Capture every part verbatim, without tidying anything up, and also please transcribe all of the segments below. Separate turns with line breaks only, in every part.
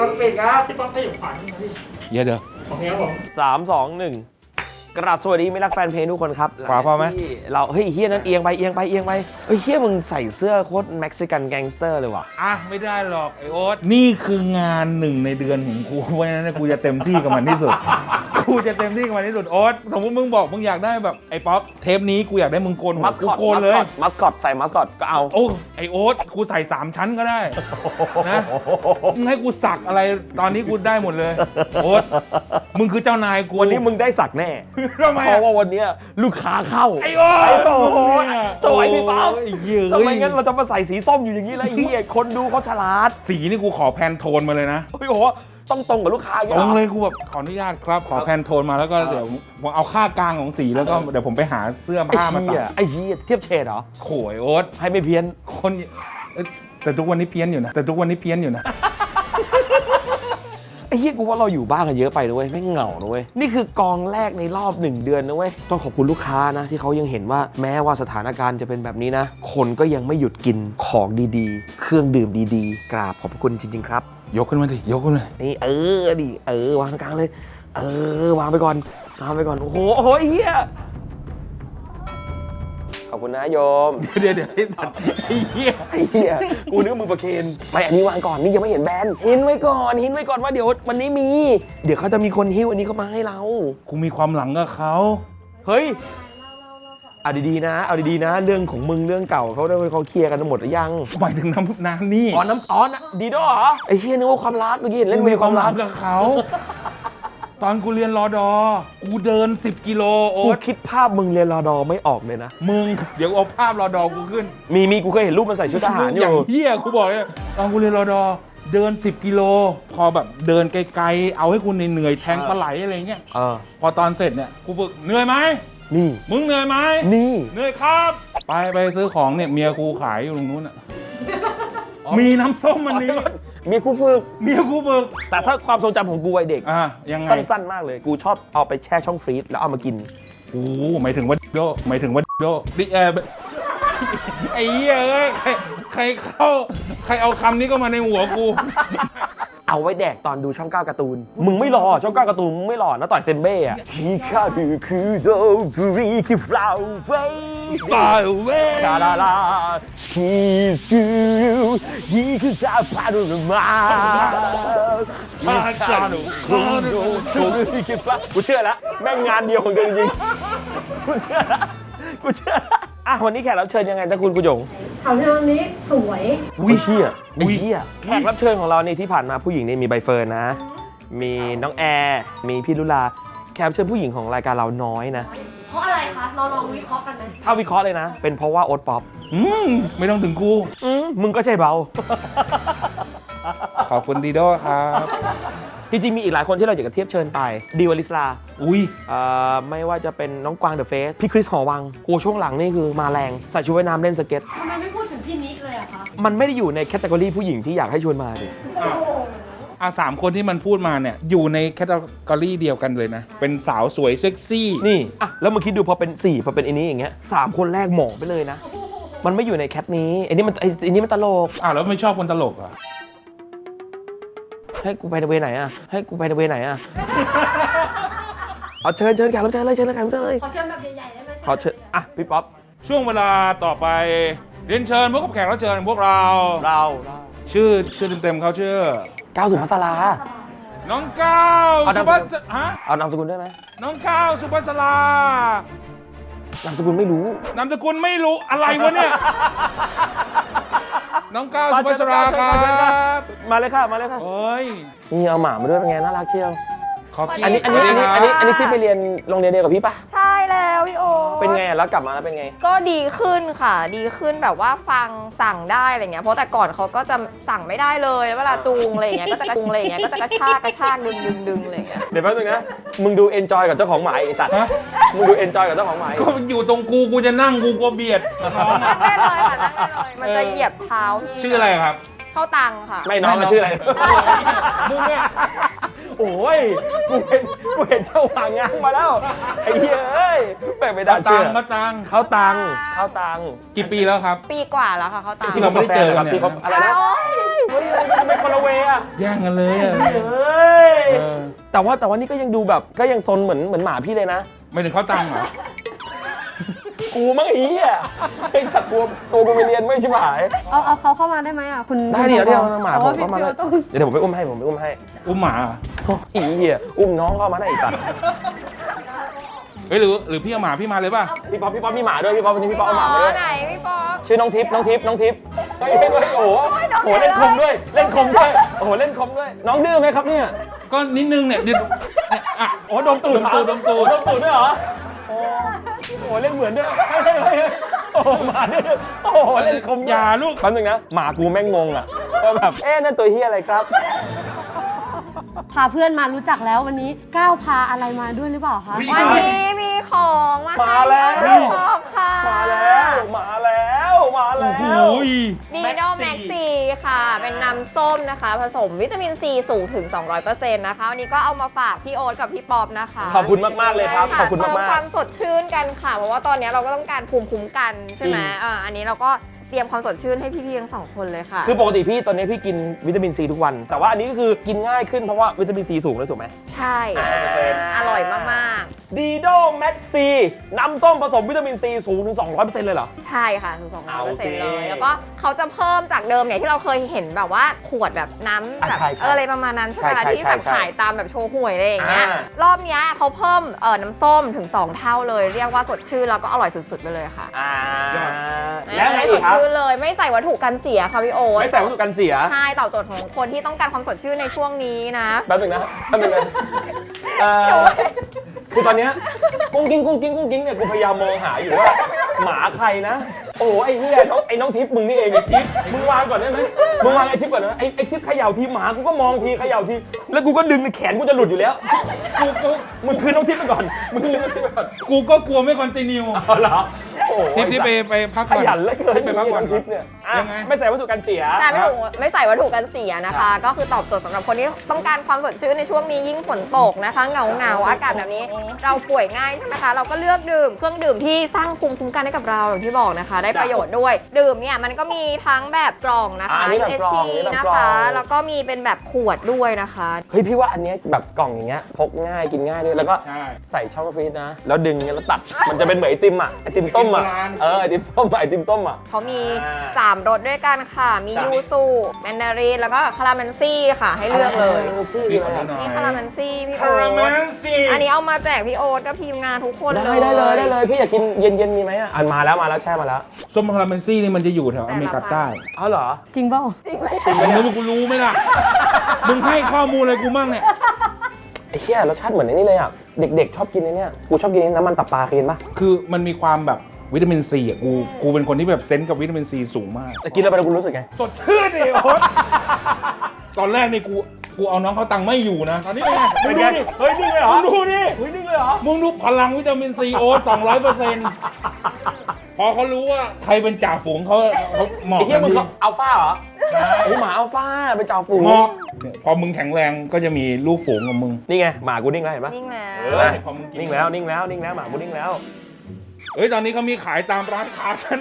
อนปิดครับพี่ป๊อปให้อยู่ขวานี่นะพี่
เยอะเด้อ
โอเคครับผม
สามสองหนึ่งกราบสวัสดีไม่รักแฟนเพลงทุกคนครับ
ขวาพอไหม
ที่เราเฮ้ยเฮียนั้นเอียงไปเอียงไปเอียงไปเฮ้ยเฮียมึงใส่เสื้อโคตรเม็กซิกันแก๊งสเตอร์เลยว่ะ
อ่ะไม่ได้หรอกไอโอ๊ตนี่คืองานหนึ่งในเดือนของกูเพราะฉะนั้นกูจะเต็มที่กับมันที่สุด กูจะเต็มที่กับมันที่สุดโอ๊ตสมมติมึงบอกมึงอยากได้แบบไอ้ป๊อปเทปนี้กูอยากได้มึงโกนหัว
มัส
กู
คอต
โกนเลย
มัสคอตใส่มัสคอตก็เอา
โอ้ไอโอ๊ตกูใส่สามชั้นก็ได้นะมึงให้กูสักอะไรตอนนี้กูได้หมดเลยโอ๊ตมึงคือเจ้านายกู
วันนี้มึงได้สักแน่
ทำไม
เพ
อะ
ราะว่าวันเนี้ยลูกค้าเข้า
ไอโอ๊ต
โอ้โหสวยพี่ป๊อป
ไอ้เหี้ย
ทำไมงั้นเราจะมาใส่สีส้มอยู่อย่างนี้แล้วไอ้เฮียคนดูเขาฉลาด
สีนี่กูขอแพนโทนมาเลยนะ
เฮ้ยโอ้โหต้องตรงกับลูกค้าอย่าง
ต
เงี้
ร
ย
ง
เหรอ
เลยกูแบบขออนุญาตครับขอแพนโทนมาแล้วก็เดี๋ยวผมเอาค่ากลางของสีแล้วก็เดี๋ยวผมไปหาเสื้อ
ไอ้
ผ้ามา
เฮีย
ตัด
ไอ้เฮียเทียบเฉดเหรอ
โขยโอ๊ต
ให้ไม่เพี้ยน
คนเอ้ยแต่ทุกวันนี้เพี้ยนอยู่นะแต่ทุกวันนี้เพี้ยนอยู่นะ
ไอ้เฮียกูว่าเราอยู่บ้านกันเยอะไปนะเว้ยไม่งเหงานะเว้ยนี่คือกองแรกในรอบหนึ่งเดือนนะเว้ยต้องขอบคุณลูกค้านะที่เขายังเห็นว่าแม้ว่าสถานการณ์จะเป็นแบบนี้นะคนก็ยังไม่หยุดกินของดีๆ เครื่องดื่มดีๆ กราบขอบพระคุณจริงๆครับ
ยกขึ้นมาดิยกขึ้นเลย
นี่เออดิเออวางกลางเลย เออวางไปก่อนวางไปก่อนโอ้โหโอ้โหไอ้เฮียขอบคุณนะโยม
เดี๋ยวเดี๋ยวไอ้สัตว์ไอ้เหี้ย
ไอ้เหี้ยกูนึกว่ามึงประเคนไม่อันนี้วางก่อนนี่ยังไม่เห็นแบรนด์หินไว้ก่อนหินไว้ก่อนว่าเดี๋ยววันนี้มี เดี๋ยวเขาจะมีคนหิ้วอันนี้เข้ามาให้เรา
กูมีความหลังกับเขา
เฮ้ยเอาดีๆนะ เอาดีๆนะ เรื่องของมึงเรื่องเก่าเขาได้เขาเคลียร์กันหมดหรือยัง
หมายถึงน้ำน้ำนี่
อ๋อน้ำอ๋อนะดีด้วยเหรอไอ้เฮียนึกว่าความรักเมื่อกี้เห็นเล่น
กู
เว
มี
ย์ความ ม
คาวหลั
รั
ง
ก
กับเขาตอนกูเรียนรอดอกูเดินสิบกิโลโอ๊
กู
ต
คิดภาพมึงเรียนรอดอไม่ออกเลยนะ
มึงเดี๋ยวเอาภาพรอดอกูขึ้น
มีมีกูเคยเห็นรูปมันใส่ชุดทหารอ
อย่าง
ยู่
เหี้ยกูบอกเลยตอนกูเรียนรอดอเดินสิบกิโลพอแบบเดินไกลๆเอาให้กูเหนื่อยๆแทงปลาไหลอะไรเงี้ย
เออ
พอตอนเสร็จเนี่ยกูฝึกเหนื่อยไหม
นี่
มึงเหนื่อยไหม
นี่
เหนื่อยครับ ไปไปซื้อของเนี่ยเมียกูขายอยู่ตรงนู้นอ่ะมีน้ำส้มมันนี้
มีครูฝึก
เมียกูฝึก
แต่ถ้าความทรงจำของกูวัยเด็ก
อ่ะยังไง
สั้นๆ มากเลย กูชอบเอาไปแช่ช่องฟรีซแล้วเอามากิน
โอ้หมายถึงว่าโดหมายถึงว่าโดดิเออไอ้เหี้ยเอ้ยใครใครเข้าใครเอาคำนี้ก็มาในหัวกู
เอาไว้แดกตอนดูช่องเก้าการ์ตูน มึงไม่รอช่องเก้าการ์ตูนมึงไม่รอนะต่อยเซนเบ้อะที่ข้าคือคือโดฟูรีคือฟลาวเว้ย
Fly away
คาราลาสกีสกูยี่คือจะพาดูมา
พาชาโน
คุณดูชูรีคือฟลาวกูเชื่อแล้วแม่งงานเดียวของกูจริงๆกูเชื่อแล้วกูเชื่อแล้วอ่ะวันนี้แขกรับเชิญยังไงจ้าคุณกุหยง
เขาเรื่องนี้สวย
อุ้ยเชี่ย
อุ๊
ไอ้
ย
เชี่ยแขกรับเชิญของเรานี่ที่ผ่านมาผู้หญิงนี่มีใบเฟิร์นนะ มีน้องแอร์มีพี่ลุลาแขกรับเชิญผู้หญิงของรายการเราน้อยนะ
เพราะอะไรคะ เราลองวิเคราะห์กันนะ
ถ้าวิเคราะห์เลยนะ เป็นเพราะว่าโอ๊ตป๊อป
อืมไม่ต้องถึงกู
อืมมึงก็ใช่เบา
ขอบคุณดีโดครับ
จริงๆมีอีกหลายคนที่เราอยากจะเทียบเชิญไปดีวลิสลา
อุ้ย
เอ่อไม่ว่าจะเป็นน้องกวางเดอะเฟสพี่คริสหอวังกูช่วงหลังนี่คือมาแรงใส่ชุดว่ายน้ำเล่นสเก็ต
ทำไมไม่พูดถึงพี่นิกเลยอะคะ
มันไม่ได้อยู่ในแคตตากรีผู้หญิงที่อยากให้ชวนมาดิ
โอ้โห
อ่ะสามคนที่มันพูดมาเนี่ยอยู่ในแคตตากรีเดียวกันเลยนะ เป็นสาวสวยเซ็กซี่
นี่อ่ะแล้วมึงคิดดูพอเป็นสี่พอเป็นอันนี้อย่างเงี้ยสามคนแรกหมองไปเลยนะ มันไม่อยู่ในแคทนี้ไอ้นี่มันไอ้ไอ้นี่มันตลก
อ้าวแล้วไม่ชอบคนตลกเหรอ่ะ
ให้กูไปในเวไหนอ่ะ ให้กูไปในเวไหนอ่ะ เอาเชิญเชิญแขกรับเชิญเลยเชิญเลยแขกรับเชิญเลย
ขอเชิญแบบใหญ่ๆได้ไหม
ขอเชิญอ่ะพี่ป๊อป
ช่วงเวลาต่อไปเรียนเชิญพบกับแขกรับเชิญพวกเรา
เราเรา
ชื่อชื่อเต็มๆเขาชื่อ
ก้าวสุภัสรา
น้องก้าว
เอา
สุ
นามสกุล
ภัสฮะ
เอานามสกุลได้ไหม
น้องก้าวสุภัสราน
ามสกุลไม่รู้
นามสกุลไม่รู้อะไรวะเนี่ย น้องก้าวสุภัสราครับ
มาเลยค่ะมาเลยค่ะ
เฮ้ย
นี่เอาหมามาด้วยเป็นไงน่ารักเชียว
ขอกิน
อันนี้อันนี้อันนี้อันนี้อันนี้ที่ไปเรียนโรงเรียนเดียวกับพี่ปะ
ใช่แล้วพี่โอ
เป็นไงแล้วกลับมาแล้วเป็นไง
ก็ดีขึ้นค่ะ ดีขึ้นแบบว่าฟังสั่งได้อะไรเงี้ยเพราะแต่ก่อนเขาก็จะสั่งไม่ได้เลยเวลาจูงอะไรเงี้ยก็จะกระจูงอะไรเงี้ยก็จะกระชากกระชากดึงดึงดึงอะไรเงี้ย
เดี๋ยวแป๊บนึงนะมึงดูเอนจอยกับเจ้าของหมาไอ้สัตว์
ฮะ
มึงดูเอนจอยกับเจ้าของหมา
ก็อยู่ตรงกูกูจะนั่งกูกลัวเบียดน้อง
นั่งได้เลยค่ะนั่งได้เลยมันจะเหยียบเท้าพี่
ชื่ออะไรครับ
เข้าตังค่ะ
ไม่น้องอะชื่ออะไร
มึงเนี่ย
โอ้ยกูเห็นกูเห็นเจ้าหางงางมาแล้วไอ้เหี้ยเอ้ยแม่งไม่ได้
ตั
เชื่
ง
อ
ค์ก็ตังค์
เขาตังเขาตัง
กี่ปีแล้วครับ
ปีกว่าแล้วค่ะเขาตาม
ที่เราไม่ได้เจอกัน
ที่เขาอะไรนะเฮ้ยไม่คนละเวอะ
แย่งกันเลยอะ
เฮ้ย
เออ
แต่ว่าแต่ว่านี่ก็ยังดูแบบก็ยังซนเหมือนเหมือนหมาพี่เลยนะ
ไม่ถึงเขาตังค์เหรอ
กูมั้งไอ้เหี้ยไอ้สัตว์ตัวตัวกูไปเรียนไม่ชิบหาย
เอาเอาเขาเข้ามาได้ไหมอ่ะคุณ
ได้เดี๋ยวเดี๋ยวหมา
เพ
ผ
ระ
ม
ว่
เข้ามา
พี่
เลย
ต้อง
เดี๋ยวผมไปอุ้มให้ผมไปอุ้มให้
อุ้มหมาเหรอ
อีเหี้ยอุ้มน้องเข้ามาได้อีกตัด
เฮ้ยหรือหรือพี่เอาหมาพี่มาเลยป่ะ
พี่ป๊อปพี่ป๊อปมีหมาด้วยพี่ป๊อปวันนี้พี่ป๊อปเอาหมามาด้วย
ไหนพี่ป๊อป
ชื่อน้องทิพย์น้องทิพย์น้องทิพย์เฮ้ยเฮ้ยเฮ้ยโอ้โหโอ้โหเล่นคมด้วยเล่นคมด้วยโอ้โหเล่นคมด้วยน้องดื้อไหมครับเนี่ย
ก็นิดนึงเนี่ยเดี๋ยวเนี่ยอ่ะ
โอ้โหดมตูด
ดมตูดดมตูด
โอ้โหดมตูดด้วยเหรอโอ้โหเล่นเหมือนด้วยเฮ้ยเฮ้ยเฮ้ยเฮ้ยโอ้โหหมาดื้อโอ้โหเล่นคม
อย่าลูก
แป๊บนึงนะหมากูแม่งงงอ่ะก็แบบเอ๊ะนั่นตัวเฮียอะไรครับ
พาเพื่อนมารู้จักแล้ววันนี้ก้าวพาอะไรมาด้วยหรือเปล่าคะ
วันนี้มีของมา
มาแล้ว
ให้พี่ป๊อปค่ะ
มาแล้วมาแล้วมาแล้
โอ้
ว
โห
ดีโดแม็กซีค่ะ เป็นน้ำส้มนะคะ ผสมวิตามินซีสูงถึง สองร้อยเปอร์เซ็นต์ นะคะ วันนี้ก็เอามาฝากพี่โอ๊ตกับพี่ป๊อปนะคะ
ขอบคุณมากๆเลยครับ
ใช่ะ
ขอบคุณมากๆ
เติความสดชื่นกันค่ะ เพราะว่าตอนนี้เราก็ต้องการภูมิคุ้มกันใช่ไหม
จริง
อ่าอันนี้เราก็เตรียมความสดชื่นให้พี่ๆทั้งสองคนเลยค่ะ
คือปกติพี่ตอนนี้พี่กินวิตามินซีทุกวัน แต่ว่าอันนี้ก็คือกินง่ายขึ้นเพราะว่าวิตามินซีสูงเลยถูกไหม
ใช่ อร่อยมากๆ
ดีโดแม็กซีน้ำส้มผสมวิตามินซีสูงถึง สองร้อยเปอร์เซ็นต์ เลยเหรอ
ใช่ค่ะถึงสองร้อยเปอร์เซ็นต์
เอาสิ
เลย แล้วก็เขาจะเพิ่มจากเดิมเนี่ยที่เราเคยเห็นแบบว่าขวดแบบน้ำ
อ่ะ
แบบ
ใช่ใช่
เอออะไรประมาณนั้นใช่ไหม
ใช่ใช่
ที่แบบ
ใช่
ขายตามแบบโชว์หวยอะไรอย่างเงี้ย
อ่าร
อบเนี้ยเขาเพิ่มเออน้ำส้มถึงสองเท่าเลย เรียกว่าสดชื่นแล้วก็อร่อยสุดๆไปเลยค่ะ
อ่า
แล้
แล้ว วอะไร
ได้ส
อี
ด
กครับ
ชื่นเลยไม่ใส่วัตถุกันเสียค่ะพี่โอ๊ต
ไม่ใส่วัตถุกันเสีย
ใช่ตอบโจทย์ของคนที่ต้องการความสดชื่นในช่วงนี้นะ
แป๊บนึงนะแป๊บนึงนะเอ่อคือตอนเนี้ยกุ้งกิ้งกุ้งกิ้งกุ้งกิ้งเนี่ยกูพยายามมองหาอยู่ว่าหมาใครนะ โอ้ไอ้เหี้ยน้องไอ้น้องทิพย์มึงนี่เองไอ้ทิพย์มึงวางก่อนได้ไหมมึงวางไอ้ทิพย์ก่อนนะไอ้ไอ้ทิพย์เขย่าทีหมากูก็มองทีเขย่าทีแล้วกูก็ดึงในแขนกูจะหลุดอยู่แล้วกูกูมึงคืนน้องทิพย์ไปก่อนมึงคืนน้องทิพย์ไปก่อน
กูก็กลัวไม่คอนติเนีย
เอาเหรอโอ้
ทิปที่ไปไปพัก
ข
ก่อน
ยันเหลือเกิน
ไปพักก่อน
น้องทิพย์เนี่ยอ่ะ
ยังไง
ไม่ใส่วัตถุกันเสีย
ใช่ไม่ถูกไม่ใส่วัตถุกันเสียนะคะ ก็คือตอบโจทย์สำหรับคนที่ต้องการความสดชื่นในช่วงนี้ยิ่งฝนตกนะคะเหงาเหงาๆอากาศแบบนี้ เราป่วยง่ายใช่ไหมคะเราก็เลือกดื่มเครื่องดื่มที่สร้างภูมิคุ้มกันให้กับเราอย่างที่บอกนะคะ ได้ประโยชน์ด้วยดื่มเนี่ยมันก็มีทั้งแบบกล่องนะคะ
อ่านี่
ยู
แบบ
เอช
กล่
ที
องนี่แบบ
นะ
กล่อง
คะแล้วก็มีเป็นแบบขวดด้วยนะคะ
เฮ้ยพี่ว่าอันเนี้ยแบบกล่องอย่างเงี้ยพกง่ายกินง่ายด้วยแล้วก็
ใช่
ใส่ช่องฟรีซนะ แล้วดึงเงี้ยแล้วตัด มันจะเป็นเหมือนไอติมอ่ะไอติมส้มอ่ะ
ไอติมโบราณ
เออไอติมส้มอะไอติมส้มอ่ะ
เขามี
อ่า
สามรสด้วยกันค่ะ มี
จ้ะ
ยูสุแมนดารินแล้วก็คาราเมนซี่ค่ะ ให้เลือกเลย
ซี่
พี่
เล
ขอย โทษหน่อย
นี่คาราเมนซี่พี่
คา
โอ๊
ราเม
ต
นซี
อันนี้เอามาแจกพี่โอ๊ตกับทีมงานทุกคนเลย
ได้ได้เลยได้เลยพี่อยากกินเย็นเย็นๆมีไหมอ่ะอันมาแล้วมาแล้วแช่มาแล้ว
ส้มคาราเมนซี่นี่มันจะอยู่แถวอเมริกาใต้
อ๋อเหรอ
จริงเปล่า
มึงรู้กูรู้ไหมล่ะ มึงให้ข้อมูลอะไรกูมั่งเนี่ย
ไอ้เหี้ยรสชาติเหมือนไอ้นี่เลยอ่ะเด็กๆชอบกินไอ้เนี่ยกูชอบกินน้ำมันตับปลาเคยกินปะ
คือมันมีความแบบวิตามินซีอ่ะ กู กูเป็นคนที่แบบเซนส์กับวิตามินซีสูงมาก
แต่กินแล้วไปแล้วกูรู้สึกไง
สดชื่นดิโอ๊ตตอนแรกนี่กู กูเอาน้องเขาตังค์ไม่อยู่นะ ตอนนี้เป็นไงมึงดูดิ
เฮ้ยนิ่งเลยเหรอ
มึงดูดิ
เฮ้ยนิ่งเลยเหรอ
มึงดูพลังวิตามินซีโอ๊ตสองร้อยเปอร์เซ็นต์พอเขารู้ว่าใครเป็นจ่าฝูงเขาเขาหมอบ
ไอ้เหี้ย
ทัน
มึง
ที
เขาอัลฟาเหรอ
ใช่
โอ้หมาอัลฟาเป็นจ่าฝูง
หมอบเนี่ยพอมึงแข็งแรงก็จะมีลูกฝูงกับมึง
นี่ไงหมากูนิ่งแล้วเห็นปะ
นิ่งแล้ว
เออพอมึงกิน
นิ่งแล้วนิ่งแล้วนิ่งแล้วหมากูนิ่งแล้ว
เฮ้ย ตอนนี้เขามีขายตามร้านค้าฉัน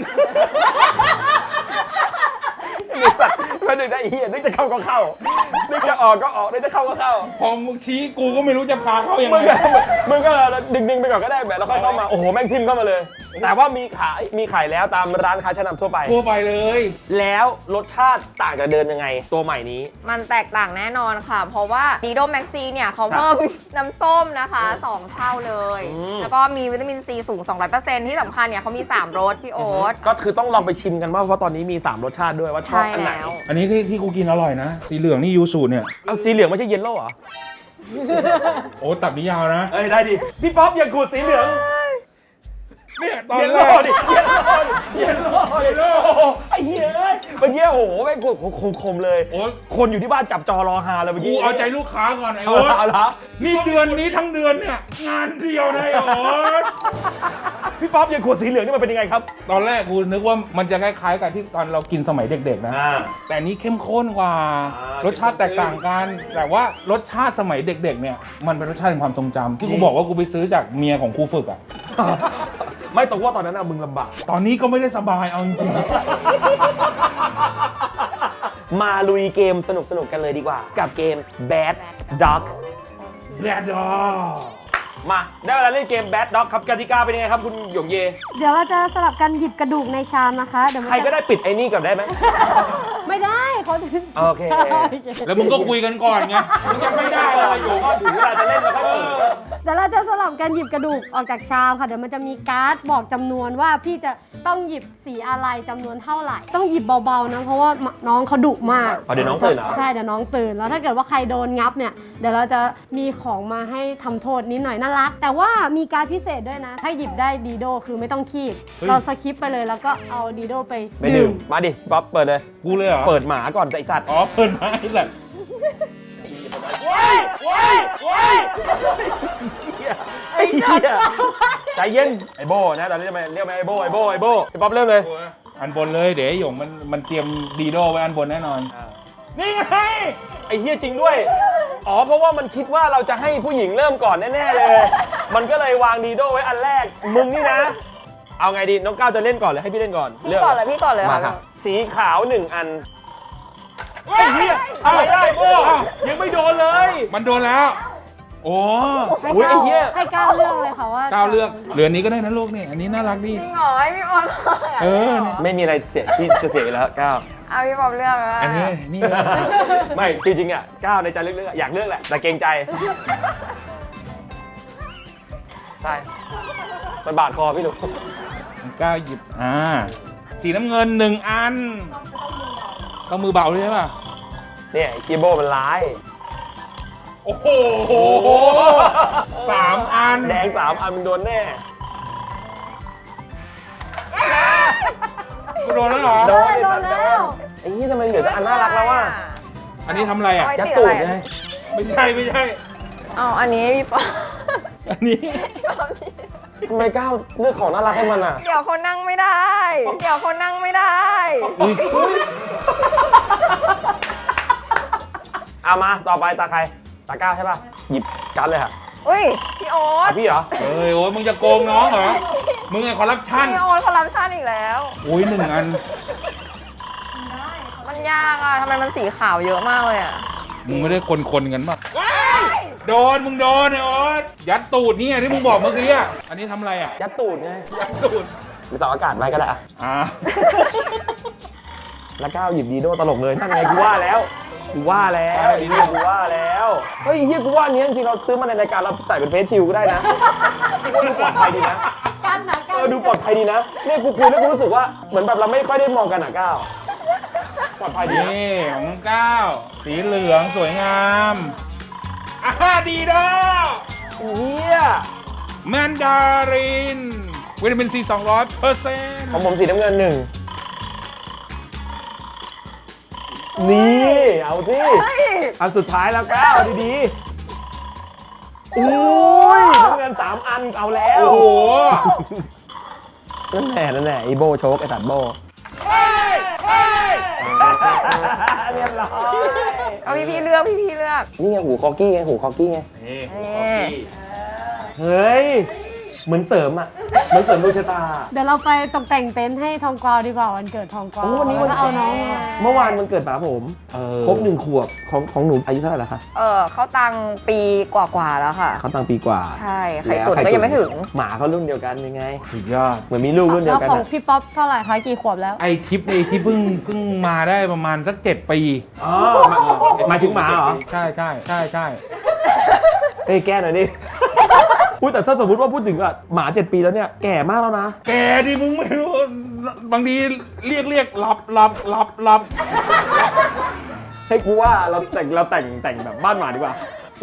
มีสัตว์ก็นึกได้ไอ้เหี้ยนึกจะเข้าก็เข้านึกจะออกก็ออกนึกจะเข้าก็เข้า
พอมึงชี้กูก็ไม่รู้จะพาเข้ายัง
มึง
ไง
ก็มึงก็ดึงดึงๆไปก่อนก็ได้แบบแล้วค่อยเข้ามาโอ้โหแม่งทิมเข้ามาเลย แต่ว่ามีขายมีขายแล้วตามร้านค้าชั้นนำทั่วไป
ทั่วไปเลย
แล้วรสชาติต่างจากเดิมยังไง ตัวใหม่นี้
มันแตกต่างแน่นอนค่ะ เพราะว่าดีโดแม็กซีเนี่ยเขาเพิ่ม น้ำส้มนะคะสองเท่าเลย
อืม
แล้วก็มีวิตามินซีสูง สองร้อยเปอร์เซ็นต์ ที่สำคัญเนี่ยเขามี สามรสพี่โอ๊ต
ก็คือต้องลองไปชิมกันว่าเพราะตอนนี้มีสามรสชาติด้วยว่าชอบ
ใช่
อันไหน
แล้ว
อันนี้ที่ที่กูกินอร่อยนะ สีเหลืองนี่ยูสูเนี่ย
เอาสีเหลืองไม่ใช่เยลโล่เหรอ
โอ้ตับนี้ยาวนะ
เอ้ยได้ดิพี่ป๊อปอย่าขูดสีเหลือง
เนี่ยตอน
เยล
แร
โล่
ก
ดิเยลโล่ดิเยลโล่ดิโอ้โหไอ้เหี้ยเอ้ยเมื่อกี้โอ้โหแม่งคมคมๆเลย
โอ๊ย
คนอยู่ที่บ้านจับจอรอฮาเลยเมื่อ
กู
กี้
เอาใจลูกค้าก่อนไอ้
เอา
โอ๊ต
ละเอาละ
นี่เดือนนี้ทั้งเดือนเนี่ยงานเดียวนะไอ้โอ๊ต
พี่ป๊อปยังขวดสีเหลืองนี่มันเป็นยังไงครับ
ตอนแรกกูนึกว่ามันจะคล้ายๆกับที่ตอนเรากินสมัยเด็กๆนะ
อ่า
แต่อันนี้เข้มข้นกว่า
อ่าร
สชาติแตกต่างกัน แต่ว่ารสชาติสมัยเด็กๆเนี่ยมันเป็นรสชาติแห่งความทรงจำที่กูบอกว่ากูไปซื้อจากเมียของครูฝึกอ่ะ
ไม่ตรงว่าตอนนั้นอะมึงลำบาก
ตอนนี้ก็ไม่ได้สบายเอาจริง
มาลุยเกมสนุกๆกันเลยดีกว่า กับเกม Bad Dog
ๆแรดดอ
มาได้เวลาเล่นเกม Bad Dog ครับกติกาเป็นยังไงครับคุณหยงเย
เดี๋ยวเราจะสลับกันหยิบกระดูกในชามนะคะเดี๋ยวมัน
ใครก็
จะ
ได้ปิดไอ้นี่ก่อนได้ไหม
ไม่ได้เขา
โอเค
แล้วมึงก็คุยกันก่อนไงมึงจะไม่ได้เลยอยู่
ก็ถึงเวลาจะเล่นแล้วครับ
เดี๋ยวเราจะสลับกันหยิบกระดูกออกจากชามค่ะเดี๋ยวมันจะมีการ์ดบอกจำนวนว่าพี่จะต้องหยิบสีอะไรจำนวนเท่าไหร่ ต้องหยิบเบาๆนะเพราะว่าน้องเขาดุมาก
อ๋อเดี๋ยวน้องตื่นเหรอ
ใช่เดี๋ยวน้องตื่นแล้วถ้าเกิดว่าใครโดนงับเนี่ยเดี๋ยวเราจะมีของมาให้ทำโทษนิดหน่อยน่ารัก แต่ว่ามีการดพิเศษด้วยนะ ถ้าหยิบได้ดีโดคือไม่ต้องคีบเราสคิปไปเลยแล้วก็เอาดีโดไป
ไปดื่มมาดิป๊อปเปิดเลย
กูเลยเหรอ
เปิดหมาก่อนแต่ไอ้สัตว์
อ๋อเปิดมาไอ้สัตว์
ว้ายว้ายว้ายไอ้เหี้ยใจเย็นไอ้โบนะตอนนี้ทำไมเรียกไหมไอ้โบไอ้โบไอ้โบไอ้ป๊อปเริ่มเลย
อันบนเลยเดี๋ยวไอ้หยงมันมันเตรียมดีโดไว้อันบนแน่นอน นี่ไง
ไอ้เหี้ยจริงด้วย อ๋อเพราะว่ามันคิดว่าเราจะให้ผู้หญิงเริ่มก่อนแน่ๆเลย มันก็เลยวางดีโดไว้อันแรก มึงนี่นะ เอาไงดีน้องก้าวจะเล่นก่อนหรือให้พี่เล่นก่อน
พี่ก่อนเลยพี่ก่อนเลย
มา
ค่ะ
ค่ะสีขาวหนึ่งอันไอ้เหี้ยอะไรได้โอ้ยังไม่โดนเลย
มันโดนแล้ว โอ้
ให้
อุ๊ยไอ้
ก้าว
เหี้ย
ให้ก้าวเลือกเลยค่ะว่า
ก้าวเลือกเหลืออันนี้ก็ได้นะลูกนี่อันนี้น่ารักดี
จริงเหรอให้พี่บอล
เออ
ไม่มีอะไรเสียที่จะเสียอยู่แล้วก้าว
เอาพี่บอลเลือกเลย
อันนี้นี่เลย
ไม่จริงๆอ่ะก้าวในใจลึกๆอะอยากเลือกแหละแต่เกรงใจใช่มันบาดคอพี่หนู
ก้าวหยิบอ่าสีน้ำเงินหนึ่งอันต้องมือเบาเลยใช่ป่ะ
เนี่ยกีโบมันร้าย
โอ้โหสามอัน
แดงสามอันมันโดนแน่
กูโดนแล้วเหรอ
โดน
โดนแล้ว
ไอ้นี่ทำไมเหลือแต่อันน่ารักแล้วว่ะ
อันนี้ทำอะไรอ่ะ
ยัดตูดไง
ไม่ใช่ไม่ใช่
เอาอันนี้พี่ปอ
อันนี้
ทำไมก้าวเลือกของน่ารักให้มันอ่ะ
เดี๋ยวเขานั่งไม่ได้ เดี๋ยวเขานั่งไม่ได้
เอามาต่อไปตาใครตาก้าวใช่ป่ะหยิบกันเลยค่ะ
อุ้ยพี่โอ๊ต
อ่ะพี่เหรอ
เอ้ยโอ้ยมึงจะโกงน้องเหรอมึงไงคอร์รัปชัน
พี่โอ๊ตคอลลัมชันอีกแล้ว
โอ้ยหนึ่งอัน
มันยากอ่ะทำไมมันสีขาวเยอะมากเลยอ่ะ
มึงไม่ได้คนๆกันป่ะโดนมึงโดนไอ้โอ๊ตยัดตูดนี่ไงที่มึงบอกเมื่อกี้อ่ะอันนี้ทำอะไรอ่ะ
ยัดตูดไง
ยัดตูด
มีเสาอากาศไว้ก็ได้อ่ะ
อ่า
แล้วก้าวหยิบดีโดตลกเลยนั่นไงกูว่าแล้วกูว่าแล้วดีโดกูว่าแล้วเฮ้ยเฮียกูว่าอันนี้จริงๆเราซื้อมาในรายการเราใส่เป็นเฟซชิลก็ได้นะดูปลอดภัยดีนะ
กันนะกั
เอน อดูปลอดภัยดีนะเนี่ยกูคุยแล้วกูรู้สึกว่าเหมือนแบบเราไม่ค่อยได้มองกันอ่ะก้าวปลอดภัยดีนะ
นี่ของเก้าสีเหลืองสวยงามอ่าดีดอ
เฮีย
แมนดารินวิตามินซีสองร้อยเปอร์เซ็นต์
ของผมสีน้ำเงินหนึ่งนี่เอาสิอันสุดท้ายแล้วก้าวดีๆอุ้ยน้ำเงินสามอันเอาแล้ว
โอ้โห
นั่นแหละนั่นแหละไอโบโชกไอสัตว์โบเรียบร้อย
เอาพี่พี่เลือกพี่พี่เลือก
นี่ไงหูคอกี้ไงหูคอกี้ไง
นี่
นี่
เฮ้ยเหมือนเสริมอ่ะเหมือนเสริมดวงชะตา
เดี๋ยวเราไปตกแต่งเต็นท์ให้ทองกวาวดีกว่าวันเกิดทองกวาว
โอ้วันนี้วัน
แล้วเอาน้องมา
เมื่อวานมันเกิดป๋าผมครบหนึ่งขวบของของหนูอายุเท่าไหร่แล้วคะ
เออเขาตังปีกว่าๆแล้วค่ะ
เขาตั้งปีกว่า
ใช่ไข่ตุ๋นก็ยังไม่ถึง
หมาเขารุ่นเดียวกันยังไง
สุดยอด
เหมือนมีลูกรุ่นเดีย
แล้ว ว
กัน
ของ
อะ
พี่ป๊อปเท่าไหร่คะกี่ขวบแล้ว
ไอทิปไอที่เพิ่งเพิ่งมาได้ประมาณสักเจ็ดปี
อ๋อหมายถึงหมาเหรอ
ใช่ใช่ใช่ใช่
เฮ้ยแก้หน่อยดิ พูดแต่ถ้าสมมติว่าพูดถึงอ่ะหมาเจ็ดปีแล้วเนี่ยแก่มากแล้วนะ
แกดิมึงไม่รู้บางทีเรียกเรียกหลับหลับหลับหลับ
ให้กูว่าเราแต่งเราแต่งแต่งแบบบ้านหมาดีกว่า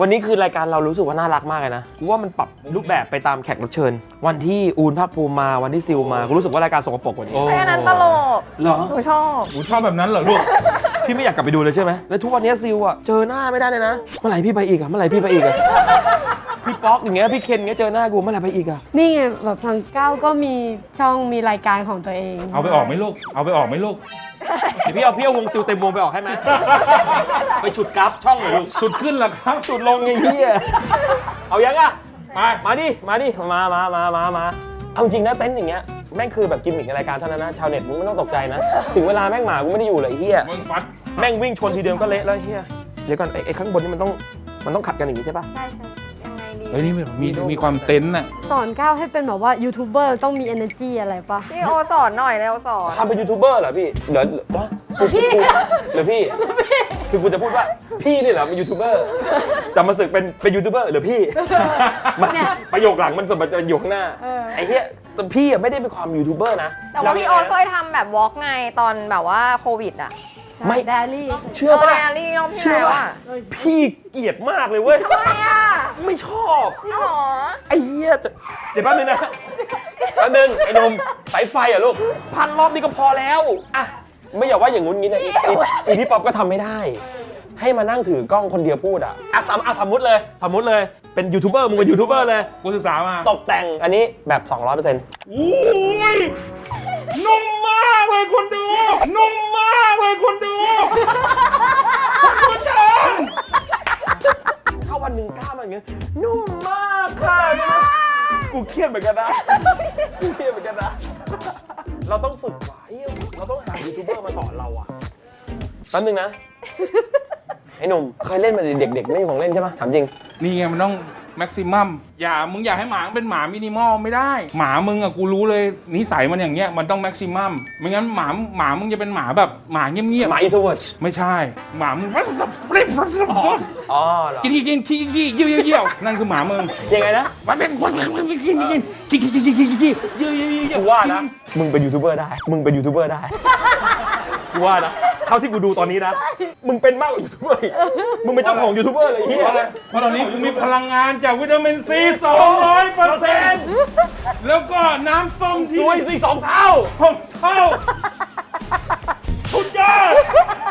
วันนี้คือรายการเรารู้สึกว่าน่ารักมากเลยนะกูว่ามันปรับรูปแบบไปตามแขกรับเชิญ วันที่อูนภาคภูมิมาวันที่ซิลมากูรู้สึกว่ารายการสกปรกกว่านี้
โอ้
เพราะฉะนั้นตลก
เหรอ
หนูชอบ
กูชอบแบบนั้นเหรอลูก
พี่ไม่อยากกลับไปดูเลยใช่ไหมแล้วทุกวันนี้ซิลอ่ะเจอหน้าไม่ได้เลยนะเมื่อไหร่พี่ไปอีกอ่ะเมื่อไหร่พี่ไปอีกอ่ะพี่ป๊อกอย่างเงี้ยพี่เคนอย่างเงี้ยเจอหน้ากูเมื่อไหร่ไปอีกอ่ะ
นี่ไงแบบทางก้าวก็มีช่องมีรายการของตัวเอง
เอาไปออกไหมลูกเอาไปออกไหมลูก
เดี๋ยวพี่เอาพี่เอาวงซิลเต็มวงไปออกให้ไหม ไปฉุดกราฟช่องหน่อยลูก
สุดขึ้นเหรอครับ
ฉุดลงไอ้เหี้ยเอายังอ่ะ
ไป
มาดิ มาดิ มา มา มา มา มา เอาจริงนะเต็นท์อย่างเงี้ย แม่งคือแบบกิมมิคในรายการเท่านั้นนะ ชาวเน็ตมึงไม่ต้องตกใจนะ ถึงเวลาแม่งหมากูไม่ได้อยู่เลยไอ้เฮีย
มึงฟัด
แม่งวิ่งชนทีเดียวก็เละแล้วไอ้เฮียเดี๋ยวก่อนไอ้ไอ้ข้างบนนี่มันต้องมันต้องขัดกันอย่างนี้ใช่ปะ
ใช่ใช่
ยังไงดี
เฮ้ยนี่มีมีมีความเซนส์น่ะ
สอนก้าวให้เป็นแบบว่ายูทูบเบอร์ต้องมี energy อะไรปะ
พี่โอสอนหน่อยเร็วสอน
ทำเป็นยูทูบเบอร์เหรอพี่ เดี๋ยววะกูกูกูหรือพี่ คือกูจะพูดว่าพี่นี่เหรอเป็นยูทูบเบอร์จะมาสึกเป็นเป็นยูทูบเบอร์หรือพี่มันประโยคหลังมันสมบัติจะอยู่ข้างหน้าไอ้เหี้ยแต่พี่อะไม่ได้เป็นความยูทูบเบอร์นะ
แต่ว่าพี่โอเคยทำแบบวอล์กไงตอนแบบว่าโควิดอ่ะ
ไม่
ไดอารี่
เชื่อ
เออ
ป่ะ
แดรี่รอบที่
เชื่อ
แล้ว
ป่ะ
อ่ะ
พี่เกลียดมากเลยเว้ย
ทำไมอ่ะ
ไม่ชอบ
จริงเหรอ
ไอ้เหี้ยจะเดี๋ยวแป๊บนึงนะแป๊บนึงไอ้หนมสายไฟเหรอลูกพันรอบนี้ก็พอแล้วอะไม่อย่าว่าอย่างงู้นงี้นะอีอีอีพี่ป๊อปก็ทำไม่ได้ ให้มานั่งถือกล้องคนเดียวพูดอะอะสมอะสมมติเลยสมมติเลยเป็นยูทูบเบอร์มึงเป็นยูทูบเบอร์เลย
กูศึกษามา
ตกแต่งอันนี้แบบ สองร้อยเปอร์เซ็นต์
อุ้ยนุ่มมากเลยคุณดู นุ่มมากเลยคุณดูคุณผู้ชม
ถ้าวันหนึ่งกล้ามาอย่างเงี้ยนุ่มมากค่ะกูเครียดเหมือนกันนะกูเครียดเหมือนกันนะเราต้องฝึกไว้เราต้องหายูทูบเบอร์มาสอนเราอะแป๊บนึงนะไอ้หนุ่มเคยเล่นมาเด็กๆไม่มีของเล่นใช่ปะถามจริง
นี่ไงมันต้องแม็กซิมัมอย่ามึงอยากให้หมาเป็นหมามินิมอลไม่ได้ หมามึงอะกูรู้เลยนิสัยมันอย่างเงี้ยมันต้องแม็กซิมัมไม่งั้นหมาหมามึงจะเป็นหมาแบบหมาเงียบ
หมาอินโทรเวิร์ด
ๆไม่ใช่ หมามึง
อ๋อเหรอ
กินกินขี้ขี้เยี่ยวเยี่ยวนั่นคือหมามึง
ยังไงนะ
มันเป็นคนกินกินกินกินกินกินกินกินกินเยี่ยวเยี่ยวเยี่ยว
กูว่านะ มึงเป็นยูทูบเบอร์ได้ มึงเป็นยูทูบเบอร์ได้ กูว่านะ เท่าที่กูดูตอนนี้นะ มึงเป็นมากกว่ายูทูบเบอร์อีกมึงเป็นเจ้าของยูทูบเบอร์เลยไอ้เฮี
เพ
ย
ราะอะไรเพราะตอนนี้กูมีพลังงานจากวิตามินซี สองร้อยเปอร์เซ็นต์ แล้วก็น้ำส้ม
ส
ที่
วยสิสองเท่า
หกเท่าสุดยอด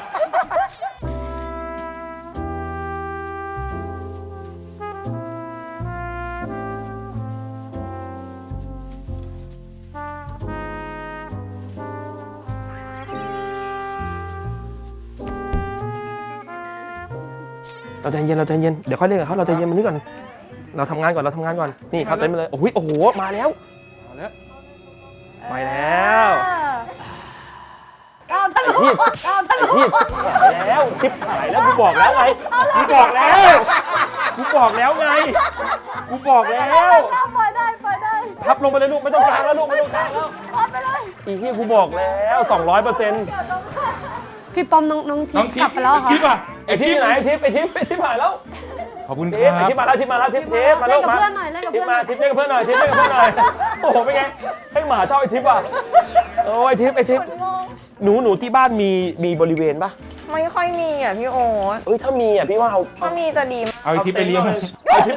เราใจเย็นเราใจเย็น เดี๋ยวค่อยเล่นกับเขาเราใจเย็นมันนี่ก่อน เราทำงานก่อน เราทำงานก่อน นี่เขาเต็มไปเลย โอ้ยโอ้โห มาแล้ว
เอาแล้ว
มาแล้ว
ก้าวทะ
ไอ้
ลุ
ที่
ก้าวทะ
ไอ้
ลุ
ที่หายแล้ว ชิปหายแล้ว กูบอกแล้วไง กูบอกแล้ว กูบอกแล้วไง กูบอกแล้ว
ปล่อยได้ปล่อยได้
พับลงไปเลยลูก ไม่ต้องกลางแล้วลูก ไม่ต้องกลางแล้ว
ปล่อยไปเลย
อีที่กูบอกแล้ว สองร้อยเปอร์เซ็นต์
พี่ป้อมน้องน้องทิ
น้
พ
อง
ย์
ทิ
ก
พ
ลับ
ย์
ไปแล้วเหรอ
ทิพย์อ่ะ
ไอ้ทิปไหนไอ้ทิปไอ้ทิปไอ้ทิปหายแล้ว
ขอบคุณค
ทิป
รั
ไอ้
บ
ทิปมาแล้วทิปมาแล้วทิปทิปมา
เล่
ลู
น
ก
กับ
มา
เพื่อนหน่อยเล่นกับ
ทิป
เพื่อนห
มา
น่อย
ทิปเล่นกับเพื่อนหน่อยทิปเล่นกับเพื่อนหน่อย โอ้โหเป็นไง ให้หมาชอบไอ้ทิปอ่ะโอ้ยทิปไอ้ทิปหนูหนูที่บ้านมีมีบริเวณปะ
ไม่ค่อยมีอ่ะพี่โอ
เอ้ยถ้ามีอ่ะพี่ว่าเอา
ถ้ามีจะดี
เอาไอ้ทิพย์ไปเลี้ยง
เอาทิป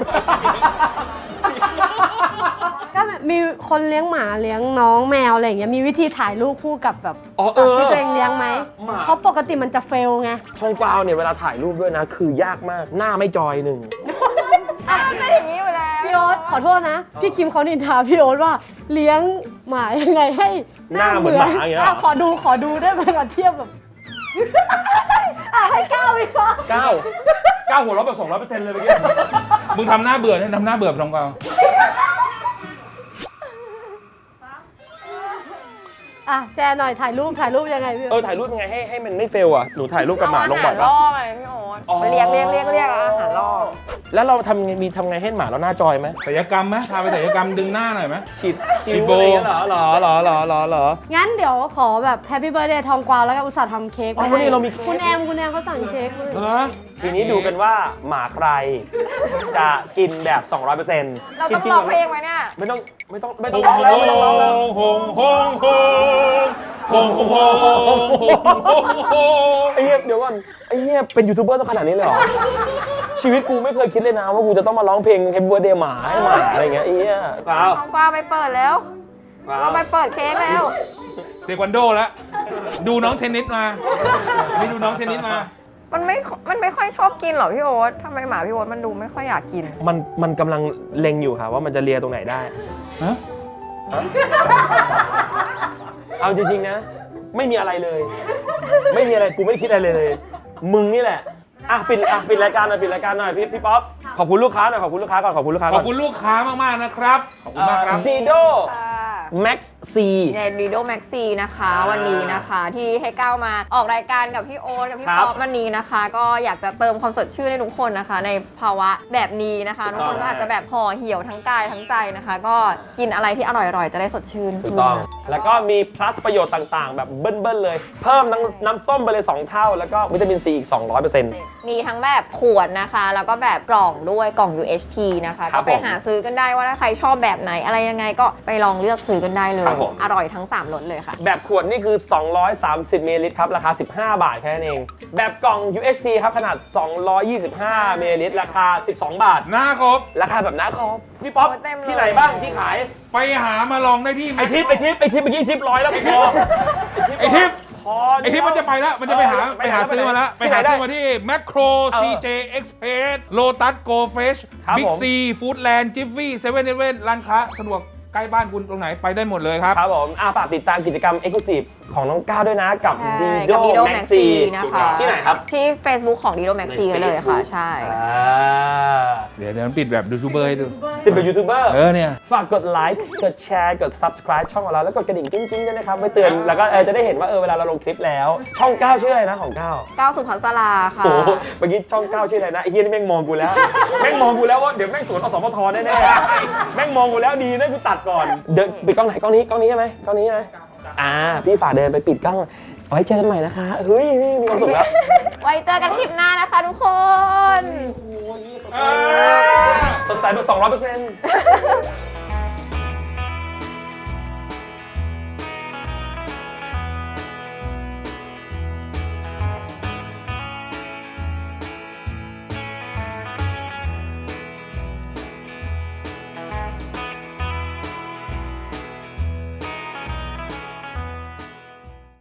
ก็แบบมีคนเลี้ยงหมาเลี้ยงน้องแมวอะไรอย่างเงี้ยมีวิธีถ่ายรูปคู่กับแบบ
อ๋อเอ
สัตว์
อ
ที่ตัวเองเลี้ยงไหม
หมา
เพราะปกติมันจะเฟลไง
ทองกวาวเนี่ยเวลาถ่ายรูปด้วยนะ คือยากมากหน้าไม่จอยหนึ่ง
ไม่อย่างนี้อยู่แล้ว
พี่โอ๊ตขอโทษนะ พี่คิมเขานินทาพี่โอ๊ตว่าเลี้ยงหมายังไงให้
หน้าเหมือนหมาอย่างเงี้ยเหรอ
ะขอดูขอดูได้ไหมก่อนเทียบแบบ อ่ะให้ก้าวอีกเหรอ
เก้าเก้าหัวเราะแบบสองร้อยเปอร์เซ็นต์เลยเมื่อกี้
มึงทำหน้าเบื่อเนี่ยทำหน้าเบื่อลองเปล่า
อ่ะแชร์หน่อยถ่ายรูปถ่ายรูปยังไงพี่
เออถ่ายรูปยังไงให้ให้มันไม่เฟลอ่ะหนูถ่ายรูปกับหมาลงบ่อย
ล่
ปะ
อไงพี่โอ
อ๋อ
ไปเรียกเรียกเรียกเรียกอาหารล่อ
แล้วเราทำไงมีทำไงให้หมาเราหน้าจอยไหม
ศัลยกรรมไหมพาไปศัลยกรรมดึงหน้าหน่อยไหม
ฉีด
ฉี
คิ้
ด
ว
โบ
อะไรอย่างเงี้ยเหรอเหรอเหรอเหรอเหรอเหรอ
งั้นเดี๋ยวขอแบบแฮปปี้เบิร์ดเดย์ทองกวาวแล้วก็อุตส่าห์ทำเค้ก
อ๋อวันนี้เรามีเค้ก
คุณแอมคุณแอมเขาสั่งเค้กมา
เหรอ
ทีนี้ดูกันว่าหมาใครจะกินแบบ สองร้อยเปอร์เซ็นต์
เราต้องร้องเพลงไหมเนี่ย
ไม่ต้องไม่ต้องไม่
โฮ
ต้อง
ง
ร้องแล้วไม่ต้องร้องแล้ว
โฮงโฮงโฮงโฮงโฮงโฮงโฮงโฮง
ไอ้เหี้ยเดี๋ยวก่อนไอ้เหี้ยเป็นยูทูบเบอร์ต้องขนาดนี้เลยเหรอชีวิตกูไม่เคยคิดเลยนะว่ากูจะต้องมาร้องเพลง Happy Birthday หมาให้หมาอะไรเงี้ยไอ้เหี้ยเปล่า
น้องกวางไปเปิดแล้วเราไปเปิดเค้กแล้ว
เทควันโดแล้ว ดูน้องเทนนิสมานี่ดูน้องเทนนิสมา
มันไม่ มันไม่ค่อยชอบกินหรอพี่โอ๊ตทำไมหมาพี่โอ๊ตมันดูไม่ค่อยอยากกิน
มันมันกำลังเล็งอยู่ค่ะว่ามันจะเลียตรงไหนได้
ฮะ
เอาจริงๆนะ ไม่มีอะไรเลย ไม่มีอะไรกูไม่ได้คิดอะไรเลย มึงนี่แหละอ่ะปิดอ่ะปิดรายการหน่อยปิดรายการหน่อยพี่พี่ป๊อปขอบคุณลูกค้าหน่อยขอบคุณลูกค้าก่อนขอบคุณลูกค้า
ข
ก่
อ
อบ น
คุณลูกค้ามากๆนะครับ ขอบคุณมากครับ
ดีโด
ค่ะ
Max C
ในดีโดแม็กซีนะคะ วันนี้นะคะที่ให้ก้าวมาออกรายการกับพี่โอ๊ตกับพี่
ครับ
ป๊อปวันนี้นะคะ ก็อยากจะเติมความสดชื่นให้ทุกคนนะคะ ในภาวะแบบนี้นะคะ
ถู
ทุ
ก
ก
ต้อง
คนก็อาจจะแบบห่อเหี่ยวทั้งกายทั้งใจนะคะ ก็กินอะไรที่อร่อยๆจะได้สดชื่น
ถูก
ขึ้น
ต้อง
นะ
แล้วก็มี plus ประโยชน์ต่างๆ แบบเบิ้ลๆเลย เพิ่มน้ำน้ำส้มไปเลย สอง เท่า แล้วก็วิตามินซีอีก สองร้อยเปอร์เซ็นต์
มีทั้งแบบขวดนะคะ แล้วก็แบบกล่องด้วยกล่อง ยู เอช ที นะคะ
ครั
ก็
บ
ไป
ผม
หาซื้อกันได้ว่าถ้าใครชอบแบบไหนอะไรยังไงก็ไปลองเลือกซื้อกันได้เลย
ครับผม
อร่อยทั้งสามรสเลยค่ะ
แบบขวดนี่คือ สองร้อยสามสิบมิลลิลิตรครับ ราคา สิบห้า บาทแค่นั้นเอง แบบกล่อง ยู เอช ที ครับ ขนาด สองร้อยยี่สิบห้ามิลลิลิตร ราคา สิบสอง บาท
หน้าครบ
ราคาแบบน้าครบพี่ป๊อป
โอ้เต็มเลย
ที่ไหนบ้างที่ขาย
ไปหามาลองได้ที่
ไอทิปไอทิปไอทิปเมื่อกี้ทิปร้อยแล้วพอ
ไอทิป
พอ
ไอทิปมันจะไปแล้ว มันจะไปหา
เออ
ไปหาซื้อมาแล้ว ไป
ที่ไหน
หา
ได้
ซื้อมาที่แมคโคร
เออ
ซี เจ Express Lotus Go Fresh
ครับ
Big
ผม
C Foodland Jiffy เซเว่น Eleven ร้านค้าสะดวกใกล้บ้านคุณตรงไหนไปได้หมดเลยครับ
ครับผมอ่ะฝากติดตามกิจกรรม Exclusive ของน้องก้าวด้วยนะ กับ
ใช่
Dido
กับ Dido
Maxi
Maxi นะคะ
ที่ไหนครับ
ที่ Facebook ของ Dido Maxi
ใน
เลยค่ะ
Facebook
ใช่
อ่า
เดี๋ยวเดี๋ยวปิดแบบยูทูบเบอร์ให้ดู
ติดเป็นยูทูบเบอร์
เออเนี่ย
ฝากกดไลค์ กดแชร์ กด subscribe ช่องของเรา แล้วกดกระดิ่งกิ้งๆด้วยนะครับไว้เตือน แล้วก็เออจะได้เห็นว่าเออเวลาเราลงคลิปแล้ว ช่องก้าวชื่ออะไรนะของก้าว
ก้าวสุภัสราค่ะ
โอ้โหเมื่อกี้ช่องก้าวชื่ออะไรนะไอ้เฮียนี่แม่งมองกูแล้ว แม่งมองกูแล้วว่าเดี๋ยวแม่งสวนอสมทแน่ๆแม่งมองกูแล้วดีนะกูตัดก่อน เดินปิดกล้องไหนกล้องนี้กล้องนี้ใช่ไหมกล้องนี้ใช่ไหมอ่าพี่ฝากเดินไปปิดกล้องไว้เจอกันใหม่นะคะเฮ้ยมีความสุขแล้ว
ไว้เจอกันคลิปหน้านะคะทุกคน
สดใสแบบสองร้อยเปอร์เซ็นต์